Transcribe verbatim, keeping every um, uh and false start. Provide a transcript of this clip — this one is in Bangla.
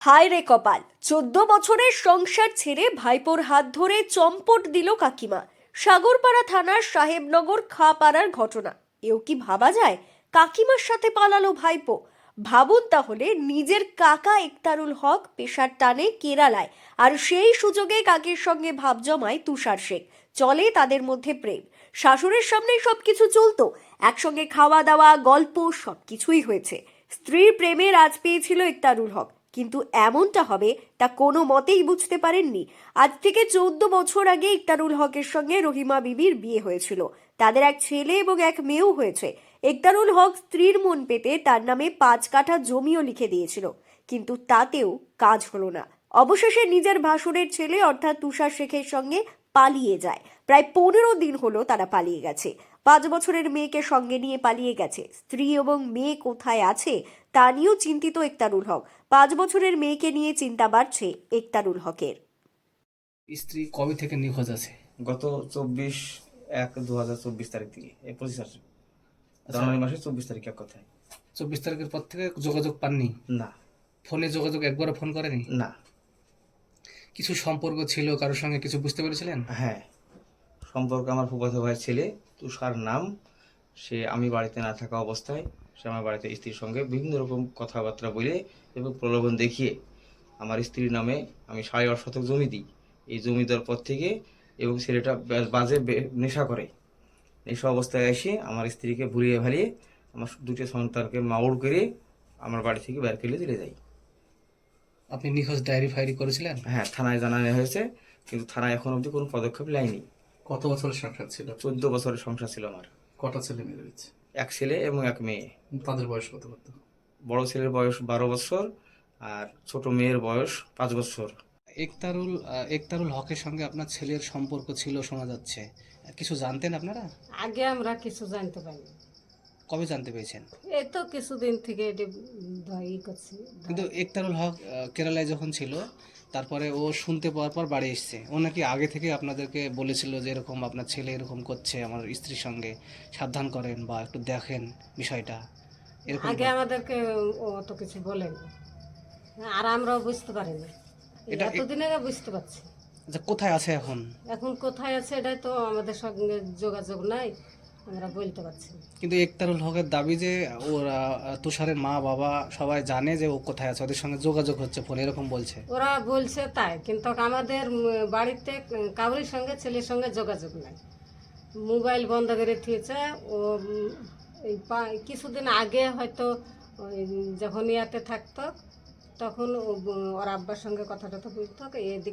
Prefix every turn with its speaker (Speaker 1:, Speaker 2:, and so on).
Speaker 1: হায় রে কপাল, চোদ্দ বছরের সংসার ছেড়ে ভাইপোর হাত ধরে চম্পট দিল কাকিমা। সাগরপাড়া থানার সাহেবনগর খাপাড়ার ঘটনা। এও কি ভাবা যায়? কাকিমার সাথে পালালো ভাইপো। ভাবুন তাহলে, নিজের কাকা একতারুল হক পেশার টানে কেরালায়, আর সেই সুযোগে কাকের সঙ্গে ভাব জমায় তুষার শেখ। চলে তাদের মধ্যে প্রেম। শাশুড়ির সামনেই সবকিছু চলতো, একসঙ্গে খাওয়া দাওয়া, গল্প সবকিছুই হয়েছে। স্ত্রীর প্রেমে রাজ পেয়েছিল একতারুল হক, কিন্তু এমনটা হবে তা কোনো মতেই বুঝতে পারেননি। আজ থেকে চৌদ্দ বছর আগে একতারুল হকের সঙ্গে রহিমা বিবির বিয়ে হয়েছিল। তাদের এক ছেলে এবং এক মেয়েও হয়েছে। একতারুল হক স্ত্রীর মন পেতে তার নামে পাঁচ কাঠা জমিও লিখে দিয়েছিল, কিন্তু তাতেও কাজ হলো না। অবশেষে নিজের ভাসুরের ছেলে অর্থাৎ তুষার শেখের সঙ্গে পালিয়ে যায়। প্রায় পনেরো দিন হলো তারা পালিয়ে গেছে। পাঁচ বছরের মেয়েকে সঙ্গে নিয়ে পালিয়ে গেছে। স্ত্রী এবং মেয়ে কোথায় আছে তা নিয়েও চিন্তিত একতারুল হক। পাঁচ বছরের মেয়েকে নিয়ে চিন্তা বাড়ছে একতারুল হকের।
Speaker 2: স্ত্রী কবে থেকে নিখোঁজ আছে?
Speaker 3: গত চব্বিশ এক দু হাজার চব্বিশ তারিখ থেকে এই পঁচিশ আসে জানুয়ারি মাসের চব্বিশ তারিখ এক কথায়।
Speaker 2: চব্বিশ তারিখের পর থেকে যোগাযোগ পাননি?
Speaker 3: না
Speaker 2: ফোনে যোগাযোগ একবারও ফোন করেনি?
Speaker 3: না
Speaker 2: কিছু সম্পর্ক ছিল কারোর সঙ্গে, কিছু বুঝতে পেরেছিলেন?
Speaker 3: হ্যাঁ, সম্পর্ক আমার ফুফাতো ভাইয়ের ছেলে তুষার নাম। সে আমি বাড়িতে না থাকা অবস্থায় সে আমার বাড়িতে স্ত্রীর সঙ্গে বিভিন্ন রকম কথাবার্তা বলে এবং প্রলোভন দেখিয়ে আমার স্ত্রীর নামে আমি সাড়ে আট শতক জমি দিই। এই জমি দেওয়ার পর থেকে এবং ছেলেটা বে- বাজে বে- নেশা করে। নেশা অবস্থায় এসে আমার স্ত্রীকে ভুলিয়ে ভালিয়ে আমার দুটো সন্তানকে মাউড় করে আমার বাড়ি থেকে বের করে দিলে যাই।
Speaker 2: আপনি নিখোঁজ ডায়েরি ফায়েরি করেছিলেন?
Speaker 3: হ্যাঁ, থানায় জানানো হয়েছে, কিন্তু থানায় এখন অবধি কোনো পদক্ষেপ নেয়নি।
Speaker 4: কত বছরের সংসার ছিল?
Speaker 3: চোদ্দ বছরের সংসার ছিল আমার।
Speaker 4: কটা ছেলে মেয়ে রয়েছে?
Speaker 3: এক ছেলে এবং এক মেয়ে।
Speaker 4: তাদের বয়স কত কত?
Speaker 3: বড় ছেলের বয়স বারো বছর আর ছোট মেয়ের বয়স পাঁচ বছর।
Speaker 2: একতারুল আহ, একতারুল হকের সঙ্গে আপনার ছেলের সম্পর্ক ছিল শোনা যাচ্ছে। কিছু জানতেন আপনারা?
Speaker 5: আগে আমরা কিছু জানতে পারি।
Speaker 2: কবে জানতে পেরেছেন?
Speaker 5: এই তো কিছুদিন থেকে এটি ই করছি।
Speaker 2: কিন্তু একতারুল হক আহ, কেরালায় যখন ছিল, তারপরে ও শুনতে পাওয়ার পর বাড়ি এসছে। ও নাকি আগে থেকে আপনাদেরকে বলেছিল যে এরকম আপনার ছেলে এরকম করছে আমার স্ত্রীর সঙ্গে, সাবধান করেন বা একটু দেখেন বিষয়টা, এরকম
Speaker 5: আগে
Speaker 2: বল-
Speaker 5: আমাদেরকে ও অত কিছু বলেনি, আর আমরাও বুঝতে পারিনি। এই
Speaker 2: এটা-
Speaker 5: এতদিন আগে বুঝতে পারছি।
Speaker 2: আচ্ছা, কোথায় আছে এখন?
Speaker 5: এখন কোথায় আছে এটাই তো আমাদের সঙ্গে যোগাযোগ নাই, আমরা বলতে পারছি না।
Speaker 2: কিন্তু একতারুল হকের দাবি যে ওরা আহ, তুষারের মা বাবা সবাই জানে যে ও কোথায় আছে, ওদের সঙ্গে যোগাযোগ হচ্ছে ফোন, এরকম বলছে।
Speaker 5: ওরা বলছে তাই, কিন্তু আমাদের উম, বাড়িতে কাউরির সঙ্গে ছেলের সঙ্গে যোগাযোগ নাই। মোবাইল বন্ধ করে দিয়েছে ও। উম, এই পা- কিছুদিন আগে হয়তো ওই যখন ইয়াতে থাকতো তখন ও, উম, ওর আব্বার সঙ্গে কথা টথা বলতো, এদিকে